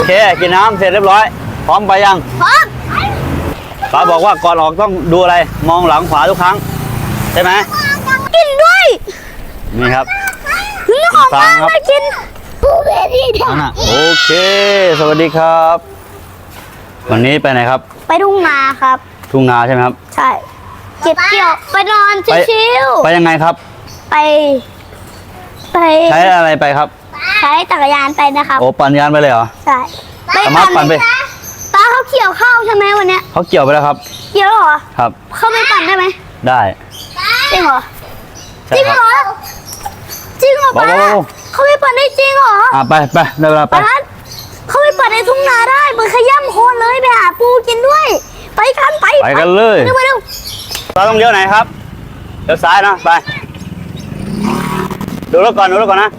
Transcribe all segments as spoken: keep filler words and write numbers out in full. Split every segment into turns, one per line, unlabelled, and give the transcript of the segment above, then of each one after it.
โอเคกินน้ำเสร็จเรียบร้อยพร้อมไปยัง
พร้อม
ป้าบอกว่าก่อนออกต้องดูอะไรมองหลังขวาทุกครั้งใช่ไหม
กินด้วย
นี่ครับ
นี่ของป้าไปกินปูเบบี้ทำ
โอเคสวัสดีครับวันนี้ไปไหนครับ
ไปทุ่งนาครับ
ทุ่งนาใช่ไหมครับ
ใช่เก็บเกี่ยวไปนอนชิว
ๆไปยังไงครับ
ไปไป
ใช้อะไรไปครับ
ใช้จักรยานไปนะครับ
โอ้ปั่นยานไปเลยเหรอ
ใช่
สามารถปั่นไป
ป้าเขาเกี่ยวข้าวใช่ไหมวันเนี้ย
เขาเกี่ยวไปแล้วครับ
เกี่ยวเหรอ
ครับ
เขาไม่ปั่นได้ไหม
ได้
จริงเหรอจริงเหรอจริงเหรอป้าเขาไม่ปั่นได้จริงเหรอ
อ่ะไปไปได้เวลาไป
เขาไม่ปั่นในทุ่งนาได้มือขย้ำโคนเลยไปหาปูกินด้วยไปกันไป
ไปกันเลย
เร็วเร็ว
เราต้องเลี้ยวไหนครับเลี้ยวซ้ายนะไปดูรถก่อนดูรถก่อนนะ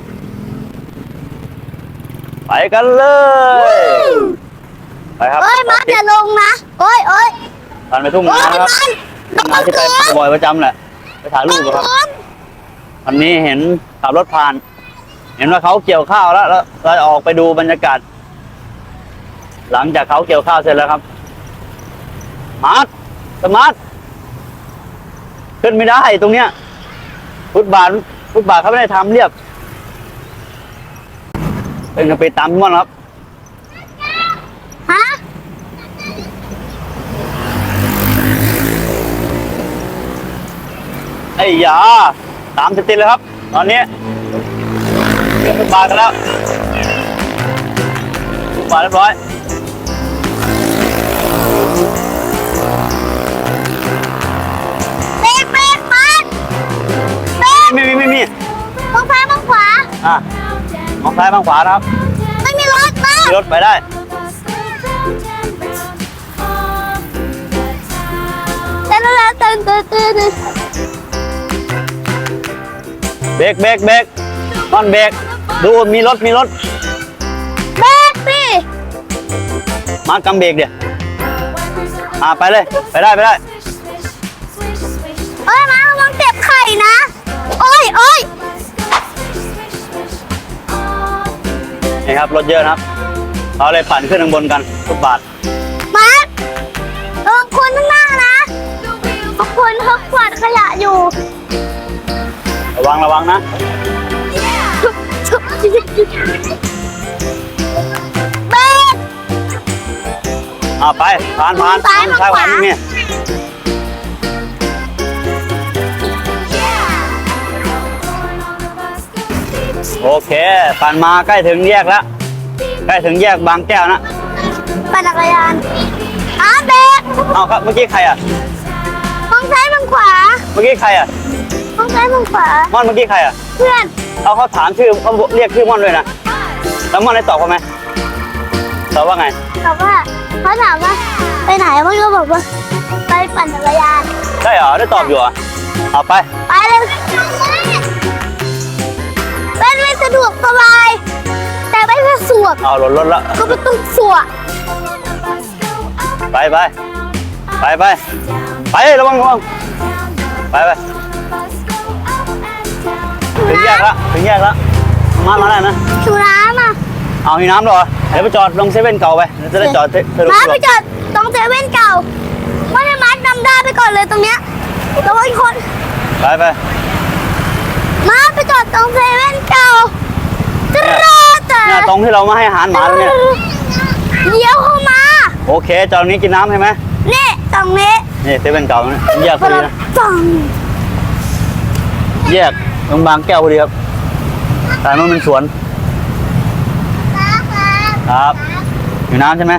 ไปกันเลยไปครับ
เอ้ยมาอย่าลงนะโอ้ยโอ้ย
ผ่านไปทุ่งนาครับนาที่ไปบ่อยประจำแหละไปถ่ายรูปครับวันนี้เห็นขับรถผ่านเห็นว่าเขาเกี่ยวข้าวแล้วแล้วเราออกไปดูบรรยากาศหลังจากเขาเกี่ยวข้าวเสร็จแล้วครับมาร์ทสมาร์ทขึ้นไม่ได้ตรงเนี้ยฟุตบาทฟุตบาทเขาไม่ได้ทำเรียบเป็นกระไปตามทุกวันครับ
ฮะ
ไอ้ยาตามติดๆเลยครับตอนนี้เกี่ยวฟุตบาทกันแล้วฟุตบาทเรียบร้อย
เบรกเบรกมาเบรก
ไม่มีไม่มี
มองซ้ายมองขวา
อ่ะมองซ้ายมองขวานะครับ
ไม่มีรถมา
มีรถไปได้
เต้นแล้วเต้นเต้นเต้น
เบรกเบรกเบรกนอนเบรกดูมีรถมีรถ
เบรกสิ
มากำเบรกเดี๋ยวอ่ะไปเลยไปได้ไปได้
เอ้ยมาระวังเจ็บไข่นะโอ้ยโอ้ย
นี่ครับรถเยอะนะครับเขาเลยปั่นขึ้นข้างบนกันทุกบาท
มาระวังคนข้างหน้านะคนเขากวาดขยะอยู่
ระวังระวังนะ
เบรก
อ่ะไปผ่านผ่าน
ซ้ายมาขวา
เนี่ยโอเคปั่นมาใกล้ถึงแยกแล้วใกล้ถึงแยกบางแก้วนะ
ปั่นจักรยานอ้าเบรก
เอาครับเมื่อกี้ใครอ่ะ
มองซ้ายมองขวา
เมื่อกี้ใครอ่ะ
มองซ้ายมองขวา
ม่อนเมื่อกี้ใครอ่ะ
เพื่อน
เอาเขาถามชื่อเขาเรียกชื่อม่อนด้วยนะแล้วม่อนได้ตอบเขาไหมตอบว่าไง
ตอบว่าเขาถามว่าไปไหนม่อนก็บอกว่าไปปั่นจักรยาน
ใช่เหรอได้ตอบอยู่อ่ะเอาไป
ไปเลยเป็นไม่สะดวกสบายแต่ไม่สะดวก
เอาหล่นรถแล้ว
ก็ไม่ต้องสวก
ไปไปไปไปไประวังระวังไปไปถึงแยกแล้วถึงแยกแล้วมามาได้นะ
หิวน้ำอ่ะ
เอาหิวน้ำเหรอเดี๋ยวไปจอดลงเซเว่นเก่าไปจะได้จอด
มาไปจอดตรงเซเว่นเก่าว่าให้มัดนำได้ไปก่อนเลยตรงเนี้ยระวังคน
ไปไป
มาไปจอดตรงเซเว่นเก่าจะรอแต่
เนี่ยตรงที่เรามาให้อาหารหมาเนี่ย
เดี๋ยวเข้ามา
โอเคจอดนี้กินน้ำใช่ไหม
นี่ตรงนี้
นี่เซเว่นเก่าเนี่ยแยกพอดีนะแยกตรงบางแก้วพอดีครับแต่มันเป็นสวนครับอยู่น้ำใช่ไหม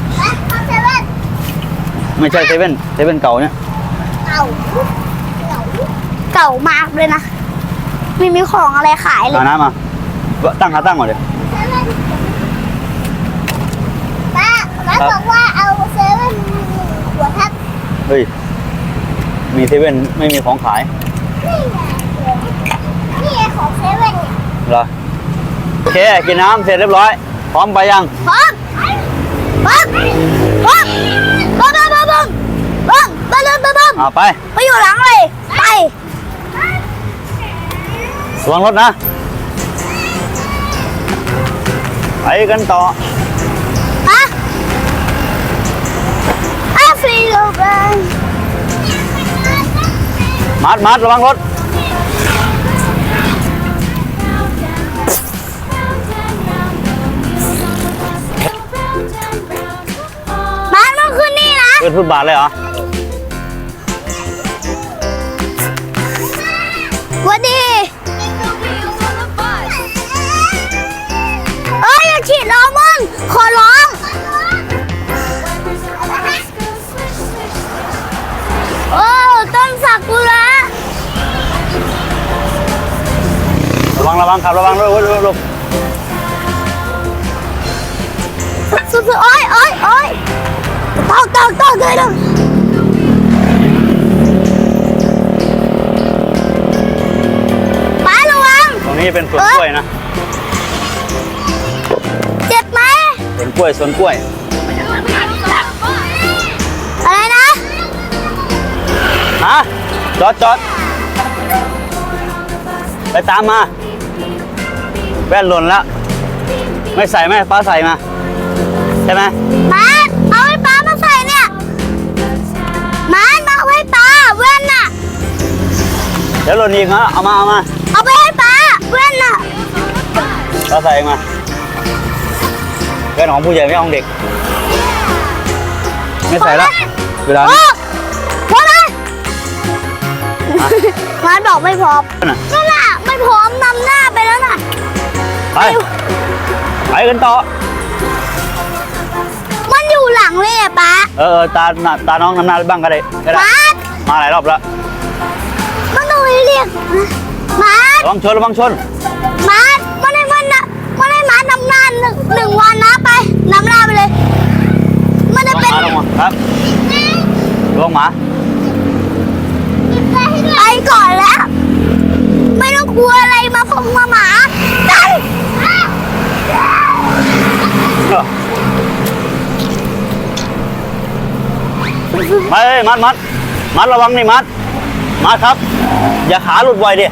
ไม่ใช่เซเว่นเซเว่นเก่าเนี่ย
เก่าเก่ามากเลยนะไม่มีของอะไรขายเลย
เอาน้ำมาตั้งขาตั้งก่อนเลย
ป้าป้าบอกว่าเอาเซเว่นหัวทับ
เฮ้ยมีเซเว่นไม่มีของขาย
นี่ไงของเซเว่นเนี่ย
เหรอโอเคกินน้ำเสร็จเรียบร้อยพร้อมไปยัง
พร้อมพร้อมพร้อมบ้าบ้าบ้าบ้าบ้าบ้าบ้าบ้าบ้า
เอาไป
ไปอยู่หลังเลยไ
ประวังรถนะไปกันต่อมัดมัดระวังรถ
บ้านมันขึ้นนี่นะ
ขึ้นฟุตบาทเลยเหรอ
หวันดีเอ้ยอย่าฉีดล้อมึงขอร้องโอ้ต้นสักุระ
ระวังระวังขับระวังด้วยลูกลูก
สุดๆโอ้ยโอ้ยโอ้ยตอกตอกตอกเลยนะป้าระวัง
ตรงนี้เป็นสวนกล้วยนะ
เจ็บไหม
สวนกล้วยสวนกล้วย
อะไรนะ
ฮะจอดจอดไปตามมาแว่นหล่นแล้วไม่ใส่ไหมป้าใส่มาใช่ไหม
มาเอาให้ป้ามาใส่เนี่ยมามาเอาให้ป้าแว่นน่ะ
เดี๋ยวหล่นอีกนะเอามาเอามา
เอาไปให้ป้าแว่นน่ะ
ป้าใส่เองมาแว่นของผู้ใหญ่ไม่ของเด็ก ไม่ใส่แล้วเวลา
โอ้
นี้
พอเลยมาบอกไม่พร้อม
น่ะ
นั่นน่ะไม่พร้อมนำหน้าไปแล้วน่ะ
ไปไปกันต่อ
มันอยู่หลังเลยอะป้า
เออเออตาตาน้องน้ำหน้าบ้างก็ได้ก็ได้
มา
มาหลายรอบแล้ว
มันต้องเรียกมา
ระวังชนระวังชน
มามันให้มันนะมันให้มานำหน้าหนึ่งหนึ่งวันนะไปนำหน้าไปเลย มันจะ
ลง
เป็น
มาลงมาครับลงมา
ไปก่อนแล้ว ไม่ต้องกลัวอะไรมาพงมาหมาไป
เออไปมัดมัดมัดระวังนี่มัดมัดครับ อย่าขาหลุดไวดิ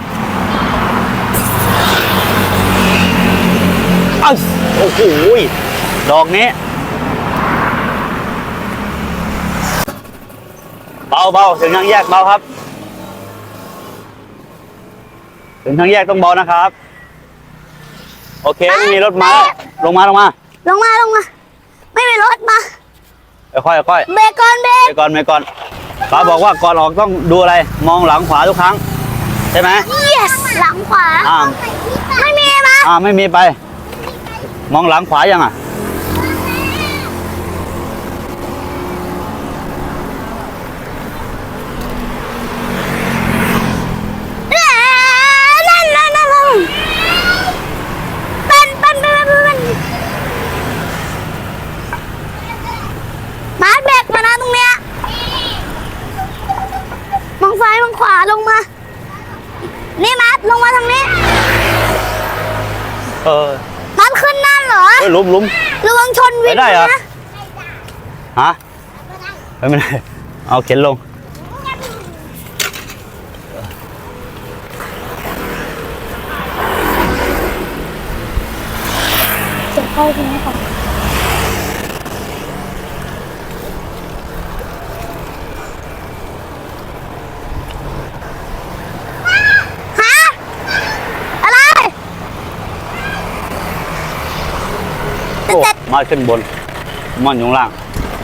อ้าวโอ้โหดอกนี้เบาเบาถึงทางแยกเบาครับ ถึงทางแยกต้องเบานะครับ โอเคไม่มีรถมาลงมาลงมา
ลงมาลงมา ไม่มีรถมา
ค่อยๆค่อย
เบรกก่อนเบรก
ไปก่อนไปก่อนป้าบอกว่าก่อนออกต้องดูอะไร มองหลังขวาทุกครั้ง ใช่ไหม
yes หลังขวา
อ่า
ไม่มีมา
อ่าไม่มีไป มองหลังขวายังอ่ะ
นั่นนั่นนั่นนั่นเป็นเป็นเป็นเป็นมาเบรกมานะตรงเนี้ยมองซ้ายมองขวาลงมา นี่มัดลงมาทางนี้
เออ
มัดขึ้นนั่นเหรอ
เฮ้ยหลุมหลุม
ระวังชนวิน
ไปได้เหรอ
นะ
ฮะไปไม่ได้เอาเข็นลง
เจ็บเข้าตรงนี้ก่อนฮะอะไร
โอ้มัดขึ้นบนมันอยู่ข้างล่าง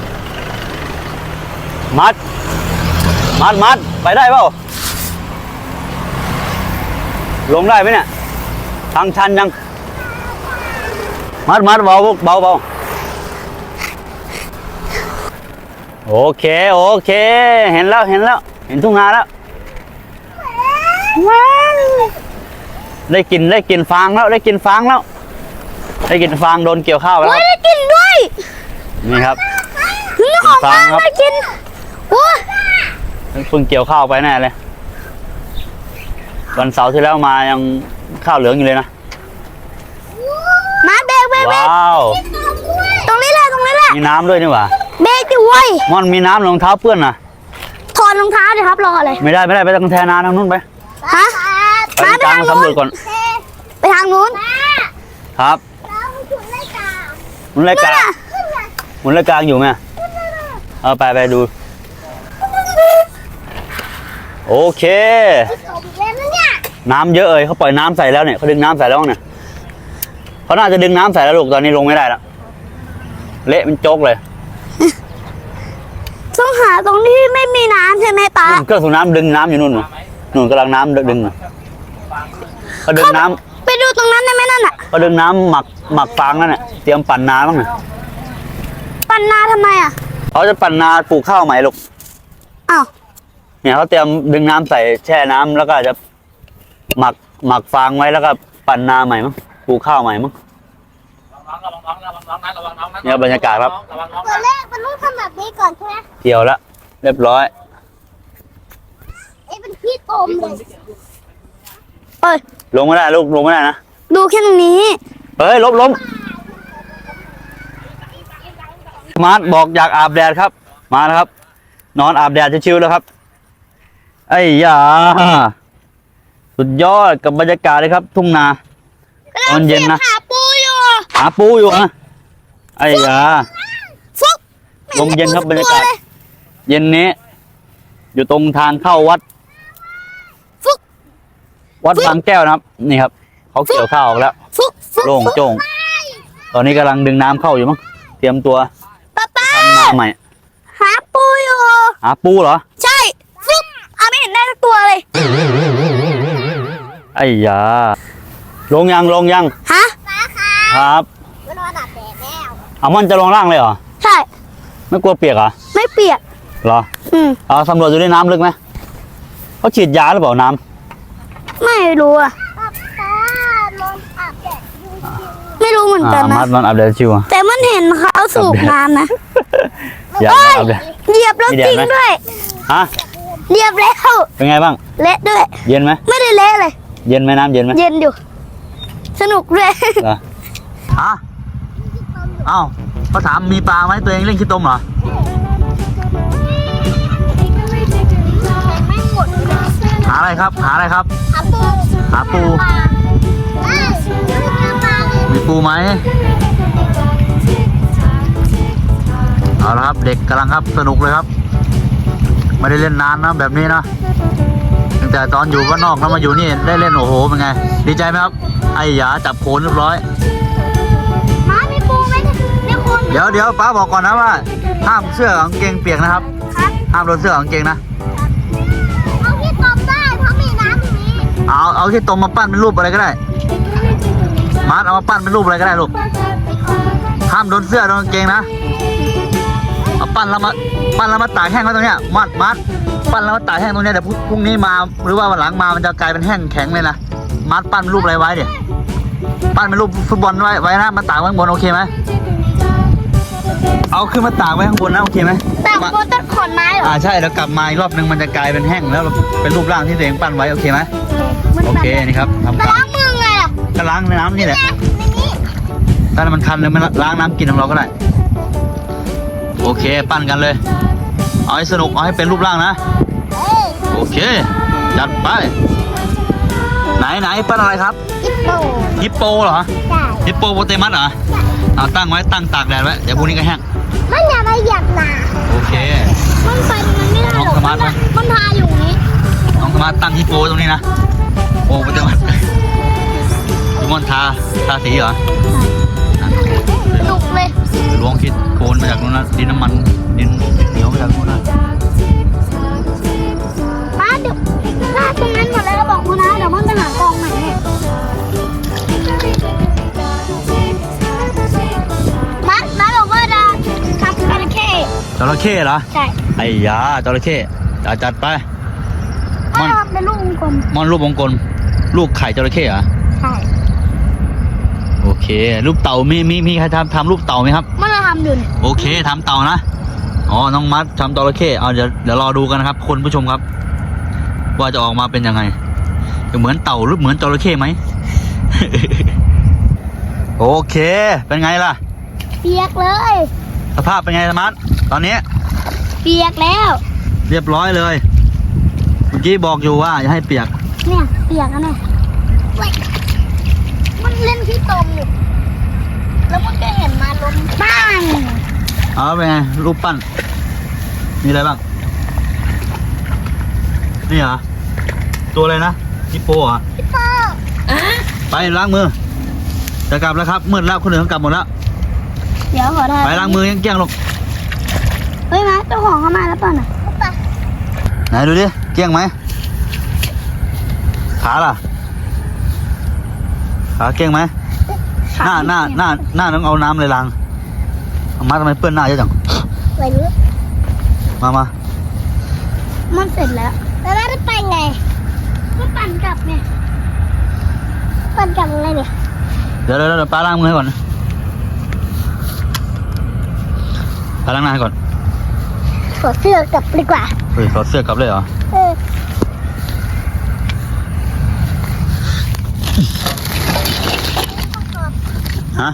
มัด มัดมัดไปได้เปล่า ลงได้ไหมเนี่ย ทางชันยัง มัดมัดเบาเบาเบาโอเคโอเค เห็นแล้วเห็นแล้ว เห็นทุ่งนาแล้ว
ว้าว
ได้กินได้กินฟางแล้วได้กินฟางแล้ว ได้กินฟางโดนเกี่ยวข้าวไปแล้ว
โอ้
ค
ย
รับ
ได้กินด้วย
นี่ครับ
นี่ของ
ฟั
มาง
ครับ
ได้กินโอ้ย
เพิ่งเกี่ยวข้าวไปแน่เลย วันเสาร์ที่แล้วมายังข้าวเหลืองอยู่เลยนะ
มาเบรกเบรกเบรก
ว้าว
ตรงนี้แหละตรงนี้แหละ
มีน้ำด้วยนี่หว่า
เบรกดิเว้ย
ม่อนมีน้ำรองเท้าเปื้อนนะ
ถอดรองเท้าดิครับรออะไร
ไม่ได้ไม่ได้ไปทางแทนาทางนู้นไป
ฮะ
ไป
มา
ทาง
ไป
กลาง
ทาง
สำร
นู้
วน จก่อน
ไปทางนู้น
ครับหมุนรายการหมุนรายการอยู่ไหมเออไปไปดูโอเค
ผมเล่นนะเนี่ย
น้ำเยอะเลยเขาปล่อยน้ำใส่แล้วเนี่ยเขาดึงน้ำใส่แล้วเนี่ยเขาน่าจะดึงน้ำใส่แล้วลูกตอนนี้ลงไม่ได้แล้วเละเป็นโจ๊กเลย
ต้องหาตรงที่ไม่มีน้ำใช่ไหมป้า
เครื่องสูบน้ำดึงน้ำอยู่นู่นน่ะนู่นกำลังน้ำดึงน่ะเขาดึงน้ำ
ไปดูตรงนั้นได้ไหมนั่นอ่ะ
เขาดึงน้ำหมักหมักฟางนั่นน่ะเตรียมปั่นนาบ้างน่ะ
ปั่นนาทำไมอ่ะ
เขาจะปั่นนาปลูกข้าวใหม่ลูก
อ้าว
เนี่ยเขาเตรียมดึงน้ำใส่แช่น้ำแล้วก็จะหมักหมักฟางไว้แล้วก็ปั่นนาใหม่มั้งปลูกข้าวใหม่มั้งเนี่ยบรรยากาศครับ
ตัวแรกมันต้องทำแบบนี้ก่อนใช่ไหม
เกี่ยวแล้วเรียบร้อย
ไอ้เป็นพี่ตมเลยเอ้ย
ลงไม่ได้ลูกลงไม่ได้นะ
ดูแค่ตรงนี้
เฮ้ยล้มล้มมาร์ทบอกอยากอาบแดดครับ มาแล้วครับ นอนอาบแดดชิวๆแล้วครับไอ้ยาสุดยอดกับบรรยากาศเลยครับ ทุ่งนาตอนเย็นนะ
หาปูอยู่
หาปูอยู่นะไอ้ยา
ฟุก
ลมเย็นครับบรรยากาศ เย็นนี้ อยู่ตรงทางเข้าวัด
ฟุก
วัดบางแก้วนะครับ นี่ครับเขาเกี่ยวข้าวออกแล้ว
ฟุกฟุก
โล่งโจ้งตอนนี้กำลังดึงน้ำเข้าอยู่มั้งเตรียมตัว
ป้าป้า
ทำนาใหม่
หาปูอยู่
หาปูเหรอ
ใช่ฟุกอาไม่เห็นได้สักตัวเลย
ไอ้ยาลงยังลงยัง
ฮะ
ครับ
มันนอนอาบแดดแล้ว
เอามันจะลงล่างเลยเหรอ
ใช่
ไม่กลัวเปียกเหรอ
ไม่เปียก
เหรอ
อืม
เอาสำรวจดูในน้ำลึกไหมเขาฉีดยาหรือเปล่าน้
ไม่รู้อ่ะไม่รู้เหมือน
ำ
กั
อ่าน
นะ
มัดมันอับแดดชิวอะ
แต่มันเห็นเขาสูบน้ำนะ
อยาก
เอ้ย
อับแดด
เหยียบแล้ว
มีแดด
จริง
ไหม
ด้วย
ฮะ
เหยียบแล้ว
เป็นไงบ้าง
เละด้วย
เย็นไหม
ไม่ได้เละเลย
เย็นไหมน้ำเย็นไหม
เย็นอยู่ สนุกด้วย
เหรอฮะเอ้าเขาถามมีปลาไหมตัวเองเล่นขี้ต้มเหรอหาอะไรครับ หาอะไรครับ หาปู มีปูไหมเอาละครับ เด็กกำลังครับสนุกเลยครับ ไม่ได้เล่นนานนะแบบนี้นะตั้งแต่ตอนอยู่บ้านนอกแล้วมาอยู่นี่ได้เล่นโอ้โหเป็นไง ดีใจไหมครับ ไอ้หยาจับโขนเรียบร้อย
ม้ามีปูไหมเนี่ยคน
เดี๋ยวเดี๋ยวป้าบอกก่อนนะว่าห้ามเสื้อกับกางเกงเปียกนะครับ
ครับ
ห้ามโดนเสื้อกับกางเกงนะ
เอาที่ตบได้เพราะมีน้ำตรงนี้
เอาเอาที่ตรงมาปั้นเป็นรูปอะไรก็ได้มาร์ทเอามาปั้นเป็นรูปอะไรก็ได้ลูกห้ามโดนเสื้อโดนกางเกงนะเอาปั้นแล้วมาปั้นแล้วมาตากแห้งไว้ตรงเนี้ยมัดมัดปั้นแล้วมาตากแห้งตรงเนี้ยเดี๋ยวพรุ่งนี้มาหรือว่าวันหลังมามันจะกลายเป็นแห้งแข็งเลยนะมัดปั้นเป็นรูปอะไรไว้เดี๋ยวปั้นเป็นรูปฟุตบอลไว้ไว้นะมาตากไว้ข้างบนโอเคไหมเอาขึ้นมาตากไว้ข้างบนนะโอเคไหม
แต่บนต้นขอนไม้เหรอ
อ่าใช่แล้วกลับมาอีกรอบนึงมันจะกลายเป็นแห้งแล้วเป็นรูปร่างที่ตัวเองปั้นไว้โอเคไหมโอเคนี่ครับทำ
มา
การ
ล้างมือไงอ่ะ
ก็ล้างในน้ำนี่แหละ
ในนี้
ถ้ามันคันเลยมันล้างน้ำกินของเราก็ได้โอเคปั้นกันเลยเอาให้สนุกเอาให้เป็นรูปร่างนะ
เอ้ย
โอเคจัดไปไหนไหนปั้นอะไรครับ
อิปโป
ฮิปโปเหรอ
ใช่
ฮิปโปโปเตมัสเหรอเอาตั้งไว้ตั้งตากแดดไว้เดี๋ยวพรุ่งนี้ก็แห้ง
มันอย่ามาเหยียบหนา
โอเค
มันไปมันไม่ได้หรอก
น้องสมาร์ทไหม
มันพาอยู่นี้
น้องสมาร์ทตั้งฮิปโปตรงนี้นะโอ้โปเตมัสทุกคนทาทาสีเหรอ
ดุกเลย
ล้วงคิดโคนมาจากนู้นนะดินน้ำมันดินเหนียวมาจากนู้นนะ
ป้าเดี๋ยวลาดตรงนั้นหมดแล้วบอกคุณนะเดี๋ยวมันจะหากองใหม่ให้มัดมัดบอกว่าจะทำจระเข้
จระเข้เหรอ
ใช่
ไอ้ยาจระเข้จัดจัดไป
ถ้าทำเป็นลูกวงกลม
มอนรูปวงกลมลูกไข่จระเข้เหรอ
ใช่
โอเค รูปเต่ามีมีมีใครทำทำรูปเต่าไหมครับ
มันจะทำอยู่เนี่ย
โอเคทำเต่านะอ๋อน้องมัดทำจระเข้เอาเดี๋ยวเดี๋ยวรอดูกันนะครับคุณผู้ชมครับ ว่าจะออกมาเป็นยังไงจะเหมือนเต่าหรือเหมือนจระเข้ไหม โอเคเป็นไงล่ะ
เปียกเลย
สภาพเป็นไงสมาร์ทตอนนี้
เปียกแล้ว
เรียบร้อยเลยเมื่อกี้บอกอยู่ว่าอย่าให้เปียก
เนี่ยเปียกแล้วเนี่ยเว้ยมันเล่นที่ตมอยู่แล้วมันก็เห็นมาล้มบ้าง
เอาเป็นไงรูปปั้นมีอะไรบ้างนี่เหรอตัวอะไรนะฮิปโปเหรอ
พี่พ่อ
ไปล้างมือจะกลับแล้วครับมืดแล้วคนอื่นเขากลับหมดแล้ว
เดี๋ยวขอถ่าย
ไปล้างมือยังเกลี้ยงหรอก
เฮ้ยมาเจ้าของเข้ามาแล้วป่ะน่ะไป
ไหนดูดิเกลี้ยงไหมขาล่ะขาเกลี้ยงไหมหน้าหน้าหน้าหน้าต้องเอาน้ำเลยล้างเอามาทำไมเปื้อนหน้าเยอะจัง
ไปนี้
มามา
มันเสร็จแล้วแล้วเราจะไปไงก็ปั่นกลับไงปั่นกลับยังไงเนี่ย
เดี๋ยวเดี๋ยวเดี๋ยวป้าล้างมือให้ก่อนป้าล้างหน้าให้ก่อน
ขอเสื้อกลับดีกว่า
เฮ้ยถอดเสื้อกลับเลยเหรอ
เออ
ฮะ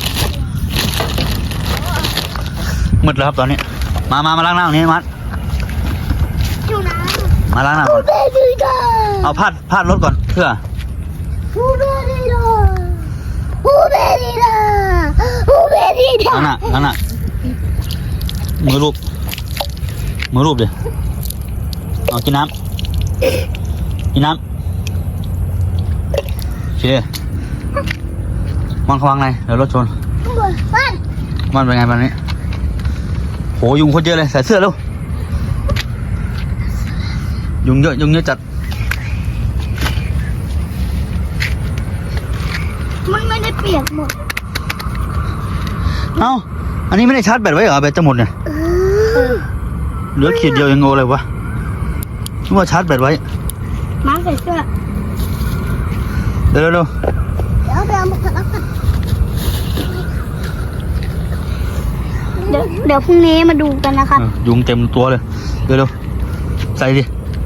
มืดแล้วครับตอนนี้มามามาล้างหน้าตรงนี้มัด
อยู่นะ
มาล้างหน้า
ฮู
ก่อน
เบดีดา
เอาพาดพาดรถก่อนเพื่อ
ฮูเบดีดาฮูเบดีดาฮูเบดีดา
นั่นน่ะนั่นน่ะมือรูปมือรูปดิเอากินน้ำกินน้ำโอเคมันเขาวางไงเดี๋ยวรถชน
ปั้น
มันเป็นไงบ้านนี้โหยุงโคตรเยอะเลยใส่เสื้อเร็วยุงเยอะยุงเยอะจัด
มันไม่ได้เปียกหมด
เอ้าอันนี้ไม่ได้ชาร์จแบตไว้เหรอแบตจะหมดเนี่ย
เออ
เหลือขีดเดียวยังโง่เลยวะนึกว่าชาร์จแบตไว้
มาใส่เสื้อ
เร็วเร็วเร็ว
เดี๋ยวไปเอามาขัดแล้วกันเดี๋ยวเดี๋ยวพรุ่งนี้มาดูกันนะครับ
เออยุงเต็มตัวเลยเร็วเร็วใส่ดิ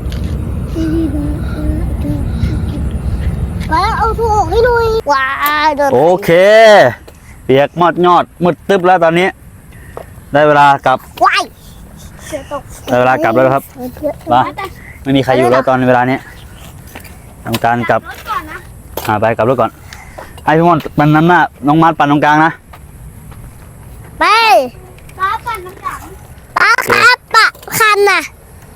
แล้วเอาถูกให้ดูว้าเดิน
โอเค เปียกมอดยอดมืดตึ๊บแล้วตอนนี้ ได้เวลากลับ
ว้ายเสือตก
ได้เวลากลับแล้วครับ มา ไม่มีใครอยู่แล้วตอนเวลานี้ทำการกลับ
รถก่อนนะ
อ่าไปกลับรถก่อนให้พี่มอนปั่นน้ำหน้าน้องมัดปั่นตรงกลางนะ
ไปป้าปั่นน้ำหลังป้าครับปะคันน่ะ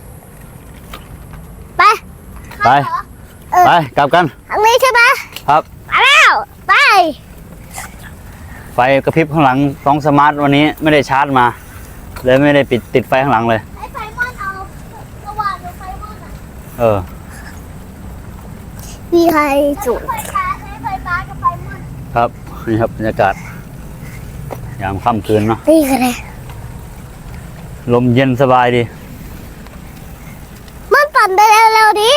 ไป
ไปไปกลับกัน
ทางนี้ใช่ไหม
ครับ
มาแล้วไป
ไฟกระพริบข้างหลังสองสมาร์ทวันนี้ไม่ได้ชาร์จมาเลยไม่ได้ปิดติดไฟข้างหลังเลย
ให้ไฟมอนเอาสว่างหรือไฟมอนอ่ะ
เออ
มีใครจุดไฟฟ้าใช้ไฟฟ้ากับไฟมอน
ครับนี่ครับบรรยากาศยามค่ำคืนเนาะ
นี่คืออะไร
ลมเย็นสบายดี
มันปั่นไปเร็วๆดิ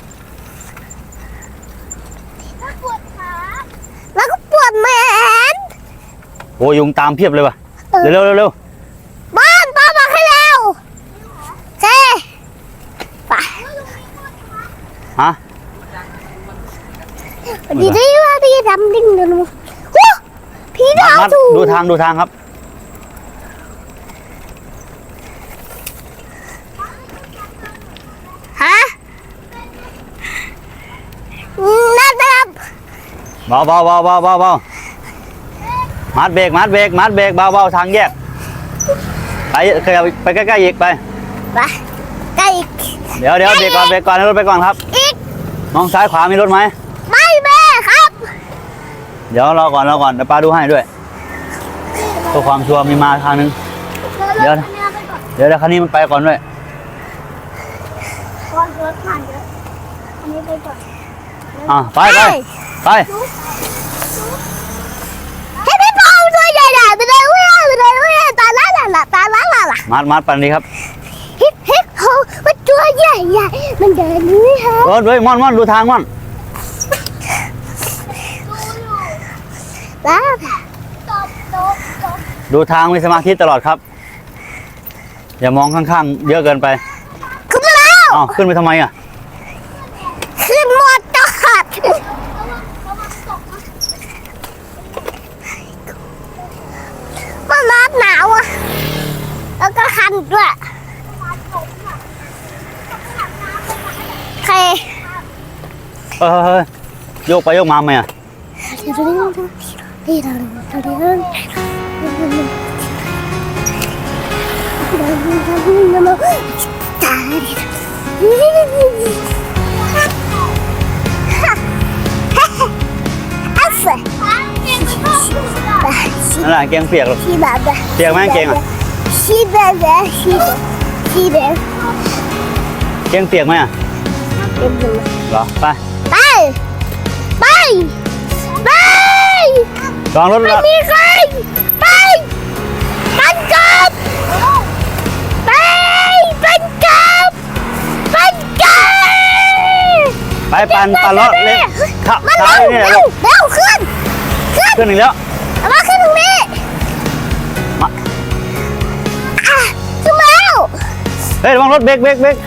แล้วปวดขาแล้วก็ปวดแขน
โอ้ยุงตามเพียบเลยว่ะเร็วเร็วเร็วเร็ว
บ้านป้าบอกให้เร็วเฮ้ไป
ฮะ
ดีดีว่าดีดำดิ่งเลยลูกวู้พี่ดาว
มัด
ถู
ดูทางดูทางครับ
ฮะนั่นนะครับ
เบาเบาเบาเบาเบาเบามัดเบรกมัดเบรกมัดเบรกเบาเบาทางแยกไปเคยไปใกล้ๆอีกไป
ไปใกล้อีก
เดี๋ยวเดี๋ยวเบรกก่อนเบรกก่อนให้รถไปก่อนครับ
อีก
มองซ้ายขวามีรถไหม
ไม่แม่ครับ
เดี๋ยวรอก่อนรอก่อนเดี๋ยวป้าดูให้ด้วยเพื่อความชัวร์มีมาทางนึง เดี๋ยวนะ เดี๋ยวเดี๋ยวคันนี้มันไปก่อนด้วย
ก่อนรถผ่านเยอะอันนี้ไปก่อน
อ่ะไปไปไป
ให้พี่ปองตัวใหญ่ๆไปเลยวิ่งไปเลยวิ่งตาละละละตาละละละ
มัดมัดปันนี้ครับ
ฮิปฮิปโฮมันตัวใหญ่ใหญ่มันเดินนี่ฮะ
รถด้วยม่อนม่อนดูทางม่อน
แล้วตบตบตบ
ดูทางมีสมาธิตลอดครับ อย่ามองข้างๆเยอะเกินไป
ขึ้นมาแล้ว
อ้าวขึ้นไปทำไมอ่ะ
ขึ้นหมดจอดมันร้อนหนาวอ่ะแล้วก็คันด้วยใคร
เฮ้ยเฮ้ยโยกไปโยกมาไหมอ่ะ
ตา
กางเกงเปียกหรอก
ชีแบบแบบ
เปียกไหมกางเกงอ่ะ
ชีแบบแบบชีแบบชีแบบ
เกงเปียกไหมอ่ะ
เป็นเลย
เหรอไป
ไปไปไป
ลองรถ
ไม่
ละ
มีใครไปปันกลับไปปันกลับปันกลับ
ไปปั่นปั่นรถเล็กขับ
มัน
ซ้าย
เร็ว
นี่แหละ
เร็
ลู
ว
ก
เร็วขึ้นขึ้น
ขึ้นอีกแล้ว
เอามาขึ้นตรงนี้
มา
อ่ะขึ้นมาแล้ว
เฮ้ยระวังรถเบรกเบรกเบรก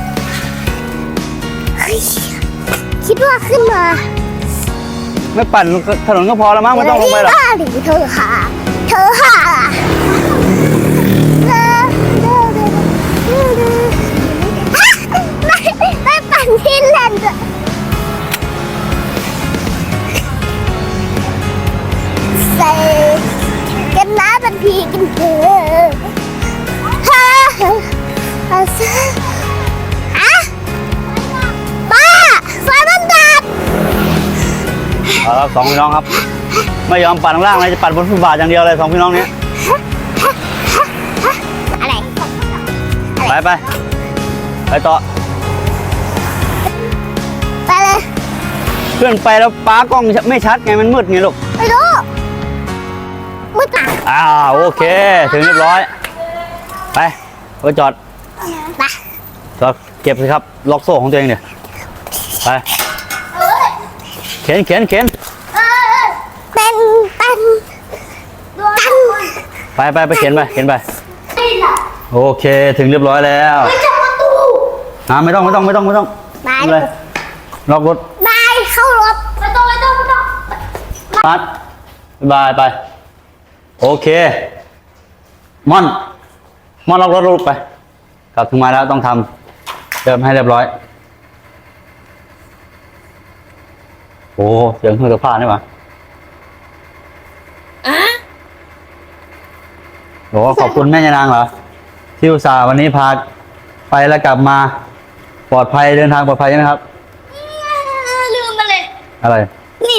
เฮ้ยคิดว่าขึ้นมา
ไม่ปั่นถนนก็พอแล้วมั้งไม่ต้องลงไปหรอก
บ้าหรือเธอค่ะเธอค่ะเธอเธอเธอเธอเธอไม่ไม่ปั่นที่แลนด์อะใส่กันน้ำเป็นพีกันเถอะฮ่าฮ่าฮ่าอะป้าไฟมันดับ
เอาละสองพี่น้องครับ ไม่ยอมปั่นข้างล่างเลยจะปั่นบนฟุตบาทอย่างเดียวเลยสองพี่น้องเนี้ย
อะไร
ไปไปไปต่อ
ไปเลย
เพื่อนไปแล้วป้ากล้องไม่ชัดไงมันมืดไงลูก
ไปดูมืดอ่ะ
อ่าโอเค ถึงเรียบร้อย ไปไปจอด
ไป
จอดเก็บสิครับ ล็อกโซ่ของตัวเองเดี๋ยวไป เข็นเข็นเข็น
เป็นเป็นเป็น
ไปไปไปเข็นไปเข็นไป โอเค ถึงเรียบร้อยแล้ว
ไม่จับประตู
อ่าไม่ต้องไม่ต้องไม่ต้องไม่ต้อง
ไป
ไม่เลยล็อกรถ
ไปเข้ารถไม่ต้องไม่ต้องไม่ต้อง
มัดบายไป โอเค ม่อน ม่อนล็อกรถลูกไป กลับถึงมาแล้วต้องทำเติมให้เรียบร้อย โอ้เสียงเครื่องซักผ้านี่หว่าโอ้ขอบคุณแม่ยานางเหรอ ที่อุตส่าห์วันนี้พาไปแล้วกลับมา ปลอดภัยเดินทางปลอดภัยใช่ไหมครับ
ลืมมาเลย
อะไร
นี่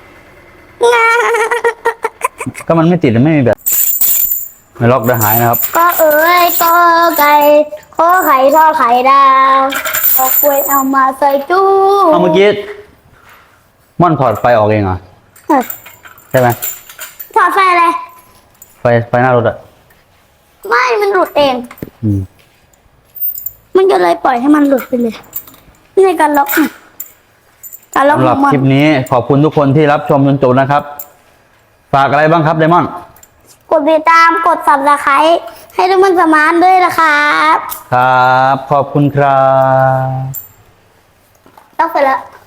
ก็มันไม่ติดไม่มีแบบไม่ล็อกเดี๋ยวหายนะครับ
ก็เอ๋ยก็ไก่ขอไข่ทอดไข่ดาวเอากล้วยเอามาใส่ตู้
เอาเมื่อกี้ม่อนถอดไฟออกเองเหรอ ใช่ไหม
ถอดไฟอะไร
ไฟไฟหน้ารถอ่ะ
ไม่มันหลุดเอง
อืม
มันก็เลยปล่อยให้มันหลุดไปเลยนี่ในการล็อกอ่ะการล็อก
สำห
ข
รั
อบ งมัน
คลิปนี้ขอบคุณทุกคนที่รับชมจนจบนะครับ ฝากอะไรบ้างครับไดมอนด์
กดติดตามกดสับสไครต์ให้ทุกคนสมานด้วยนะครับ
ครับ ขอบคุณครับ
ต้องไปแล้ว